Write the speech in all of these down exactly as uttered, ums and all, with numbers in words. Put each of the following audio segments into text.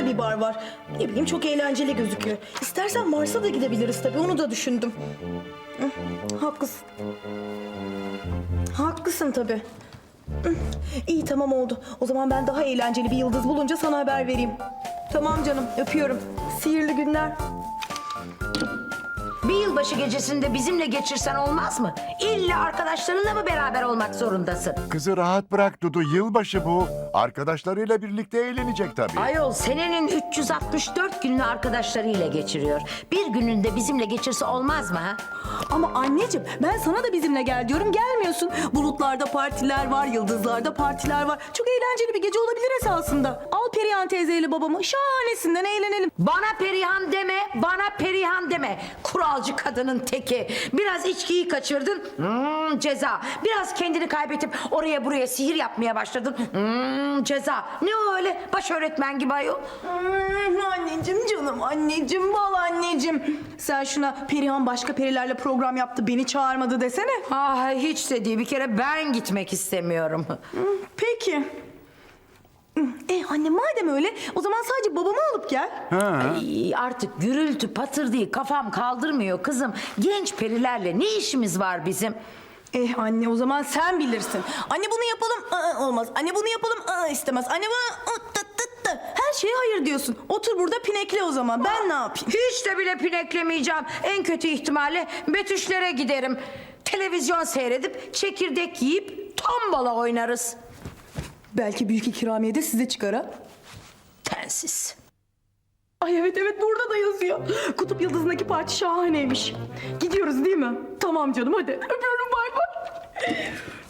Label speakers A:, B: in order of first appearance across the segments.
A: güzel bir bar var. Ne bileyim çok eğlenceli gözüküyor. İstersen Mars'a da gidebiliriz tabii, onu da düşündüm. Hı, haklısın. Haklısın tabii. Hı, İyi tamam oldu. O zaman ben daha eğlenceli bir yıldız bulunca sana haber vereyim. Tamam canım, öpüyorum. Sihirli günler.
B: Bir yılbaşı gecesinde bizimle geçirsen olmaz mı? İlla arkadaşlarınla mı beraber olmak zorundasın?
C: Kızı rahat bırak Dudu, yılbaşı bu. Arkadaşlarıyla birlikte eğlenecek tabii.
B: Ayol senenin üç yüz altmış dört gününü arkadaşlarıyla geçiriyor. Bir gününde bizimle geçirse olmaz mı ha?
A: Ama anneciğim ben sana da bizimle gel diyorum, gelmiyorsun. Bulutlarda partiler var, yıldızlarda partiler var. Çok eğlenceli bir gece olabilir esasında. Al Perihan teyzeyle babamı, şahanesinden eğlenelim.
B: Bana Perihan deme, bana Perihan deme. Kuralcı kadının teki. Biraz içkiyi kaçırdın, hmm, ceza. Biraz kendini kaybedip oraya buraya sihir yapmaya başladın, hmm, ceza. Ne o öyle baş öğretmen gibi ayol?
A: Hmm, anneciğim canım, anneciğim, bal anneciğim. Sen şuna Perihan başka perilerle program yaptı, beni çağırmadı desene.
B: Ah hiç de değil, bir kere ben gitmek istemiyorum.
A: Peki. E anne madem öyle, o zaman sadece babamı alıp gel.
B: Ay, artık gürültü patır değil, kafam kaldırmıyor kızım. Genç perilerle ne işimiz var bizim?
A: Eh anne o zaman sen bilirsin. Anne bunu yapalım, aa, olmaz. Anne bunu yapalım, aa, istemez. Anne bunu aa, tıt tıt tıt. Her şeye hayır diyorsun. Otur burada pinekle o zaman. Ben ne yapayım?
B: Hiç de bile pineklemeyeceğim. En kötü ihtimalle Betüşlere giderim. Televizyon seyredip çekirdek yiyip tombala oynarız.
A: Belki büyük ikramiye de size çıkar ha.
B: Tensiz.
A: Ay evet evet, burada da yazıyor. Kutup Yıldızı'ndaki parti şahaneymiş. Gidiyoruz değil mi? Tamam canım, hadi. Öpüyorum, bay bay.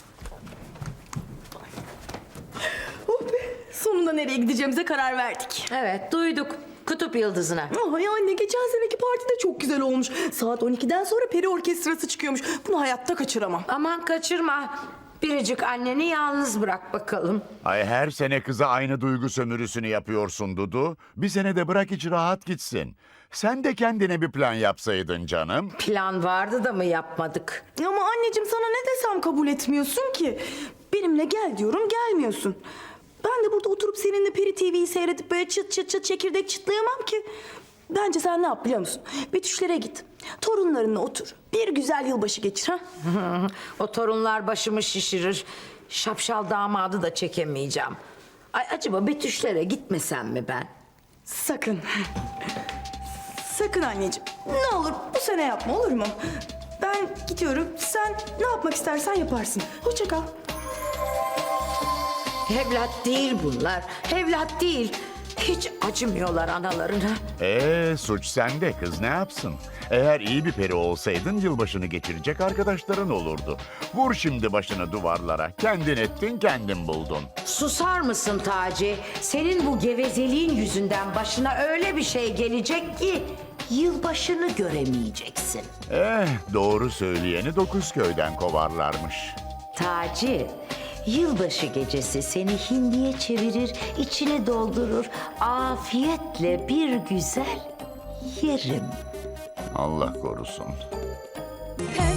A: Oh be, sonunda nereye gideceğimize karar verdik.
B: Evet duyduk. Kutup Yıldızı'na.
A: Ay anne, geçen seneki parti de çok güzel olmuş. Saat on ikiden sonra peri orkestrası çıkıyormuş. Bunu hayatta kaçıramam.
B: Aman kaçırma. Biricik anneni yalnız bırak bakalım.
C: Ay her sene kıza aynı duygu sömürüsünü yapıyorsun Dudu. Bir sene de bırak hiç rahat gitsin. Sen de kendine bir plan yapsaydın canım.
B: Plan vardı da mı yapmadık?
A: Ama anneciğim sana ne desem kabul etmiyorsun ki. Benimle gel diyorum, gelmiyorsun. Ben de burada oturup seninle Peri T V'yi seyredip böyle çıt çıt çıt çekirdek çıtlayamam ki. Bence sen ne yap biliyor musun? Betüşlere git. Torunlarınla otur. Bir güzel yılbaşı geçir ha.
B: O torunlar başımı şişirir. Şapşal damadı da çekemeyeceğim. Ay acaba Betüşlere gitmesem mi ben?
A: Sakın. Sakın anneciğim. Ne olur bu sene yapma, olur mu? Ben gidiyorum. Sen ne yapmak istersen yaparsın. Hoşça kal.
B: Evlat değil bunlar. Evlat değil. Hiç acımıyorlar analarına.
C: Ee suç sende, kız ne yapsın? Eğer iyi bir peri olsaydın yılbaşını geçirecek arkadaşların olurdu. Vur şimdi başını duvarlara. Kendin ettin, kendin buldun.
B: Susar mısın Taci? Senin bu gevezeliğin yüzünden başına öyle bir şey gelecek ki yılbaşını göremeyeceksin.
C: Eh, doğru söyleyeni dokuz köyden kovarlarmış.
B: Taci, yılbaşı gecesi seni hindiye çevirir, içini doldurur, afiyetle bir güzel yerim.
C: Allah korusun.
A: Her